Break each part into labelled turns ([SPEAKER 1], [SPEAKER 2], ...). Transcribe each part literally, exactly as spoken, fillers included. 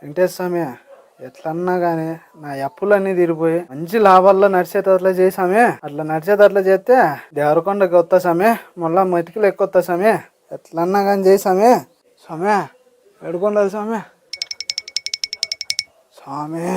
[SPEAKER 1] వెంకటేశ్వర స్వామి ఎట్లన్నా కానీ నా అప్పులన్నీ తీరిపోయి మంచి లాభాల్లో నడిచేటట్లా చేసామే. అట్లా నడిచేటట్లా చేస్తే దేవరకొండకి వస్తా సామే, మళ్ళా మతికిలు ఎక్కువ వస్తా సామే. ఎట్లన్నా కానీ చేసామే. స్వామి ఏడుకొండాలి స్వామి. స్వామి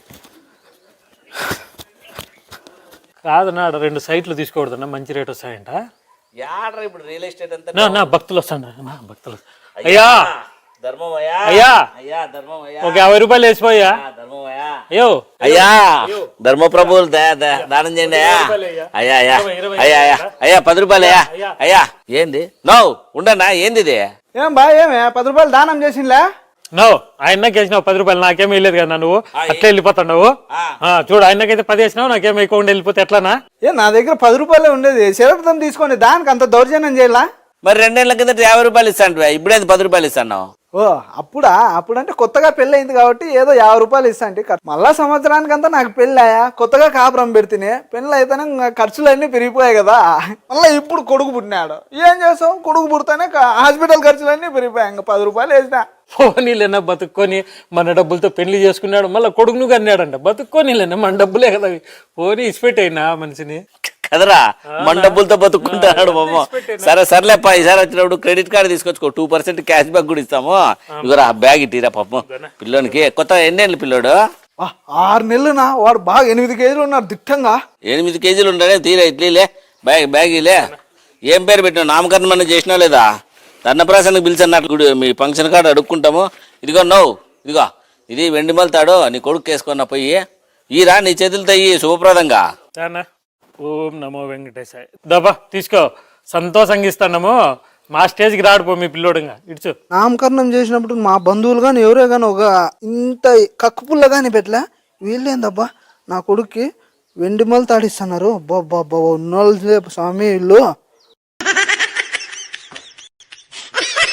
[SPEAKER 2] కాదు నా రెండు సైట్లు తీసుకోకూడదన్నా, మంచి రేట్ వస్తాయంట.
[SPEAKER 3] యాడ్రా ఇప్పుడు రియల్ ఎస్టేట్ అంతా
[SPEAKER 2] నా నా భక్తులు వస్తాను నా భక్తులు. అయ్యా
[SPEAKER 3] ధర్మం అయ్యా
[SPEAKER 2] అయ్యా
[SPEAKER 3] అయ్యా ధర్మం అయ్యా
[SPEAKER 2] ఒక యాభై రూపాయలు వేసిపోయా.
[SPEAKER 3] ధర్మం అయ్యా
[SPEAKER 2] అయ్యో
[SPEAKER 3] అయ్యా ధర్మ ప్రభువులు దానం చేయండి అయ్యా. అయ్యా అయ్యా అయ్యా అయ్యా అయ్యా పది రూపాయలు అయ్యా. అయ్యా ఏంది నో ఉండన్నా ఏంది ఇది?
[SPEAKER 1] ఏం బా ఏమే పది రూపాయలు దానం చేసిందిలే.
[SPEAKER 2] నో ఆయనకి వేసినావు పది రూపాయలు, నాకేం వేయలేదు కదా నువ్వు. అట్లా వెళ్ళిపోతావు చూడు. ఆయనకైతే పది వేసినావు, నాకేం వేయకుండా వెళ్ళిపోతే ఎట్లానా?
[SPEAKER 1] ఏ నా దగ్గర పది రూపాయలే ఉండేది, శరపతం తీసుకోండి, దానికి అంత దౌర్జన్యం చేయాలా?
[SPEAKER 3] మరి రెండేళ్ల కింద యాభై రూపాయలు ఇస్తాను, ఇప్పుడేది పది రూపాయలు ఇస్తాను.
[SPEAKER 1] ఓ అప్పుడా? అప్పుడంటే కొత్తగా పెళ్ళి అయింది కాబట్టి ఏదో యాభై రూపాయలు ఇస్తా అంటే, మళ్ళా సంవత్సరానికి అంతా నాకు పెళ్ళి అయ్యా, కొత్తగా కాపురం పెడితేనే పెళ్ళి అయితేనే ఖర్చులు అన్నీ పెరిగిపోయాయి కదా. మళ్ళీ ఇప్పుడు కొడుకు పుట్టినాడు, ఏం చేస్తాం? కొడుకు పుడితేనే హాస్పిటల్ ఖర్చులు అన్నీ పెరిగిపోయాయి. ఇంకా పది రూపాయలు వేసినా
[SPEAKER 2] పోనీలేనా బతుక్కొని మన డబ్బులతో పెళ్లి చేసుకున్నాడు, మళ్ళీ కొడుకును కన్నాడంట. బతుక్కోనీలేనా మన డబ్బులే కదా, పోనీ ఇసిపెట్టయినా మనిషిని
[SPEAKER 3] కదరా, మన డబ్బులతో బతుక్కుంటున్నాడు మమ్మ. సరే సర్లేప్ప, ఈసారి వచ్చినప్పుడు క్రెడిట్ కార్డు తీసుకొచ్చుకో, టూ పర్సెంట్ క్యాష్ బ్యాక్ కూడా ఇస్తాము. ఇదిగోరా బ్యాగ్ ఇట్టిరా పాపం పిల్లోనికి. కొత్త ఎన్నేళ్ళు పిల్లోడు?
[SPEAKER 1] ఆరు నెలలునా? వాడు బాగా ఎనిమిది కేజీలు ఉన్నారు దిట్టంగా.
[SPEAKER 3] ఎనిమిది కేజీలు ఉండే తీరా ఇట్లీలే బ్యాగ్ బ్యాగ్ ఇలే. ఏం పేరు పెట్టినావు? నామకరణం అన్న చేసినా లేదా? అన్నప్రాసనకు పిలిచన్నట్లు మీ ఫంక్షన్ కార్డు అడుక్కుంటాము. ఇదిగో నవ్వు, ఇదిగో ఇది వెండి మల్తాడు, నీ కొడుకు వేసుకున్న పోయి ఈరా నీ చేతులతో ఇయ్యి శుభప్రదంగా.
[SPEAKER 2] ఓం నమో వెంకటేశాయ. దబా తీసుకో, సంతోషంగా ఇస్తాము. మా స్టేజ్కి రాడిపో మీ పిల్లోడుగా ఇడ్చు. నామకరణం చేసినప్పుడు మా బంధువులు కానీ ఎవరే కానీ ఒక ఇంత కక్కు పుల్ల కానీ పెట్టలే. వీళ్ళేందబ్బా నా కొడుక్కి వెండి మల్ తాడిస్తున్నారు. బాబా ఉన్నోళ్ళు స్వామి వీళ్ళు.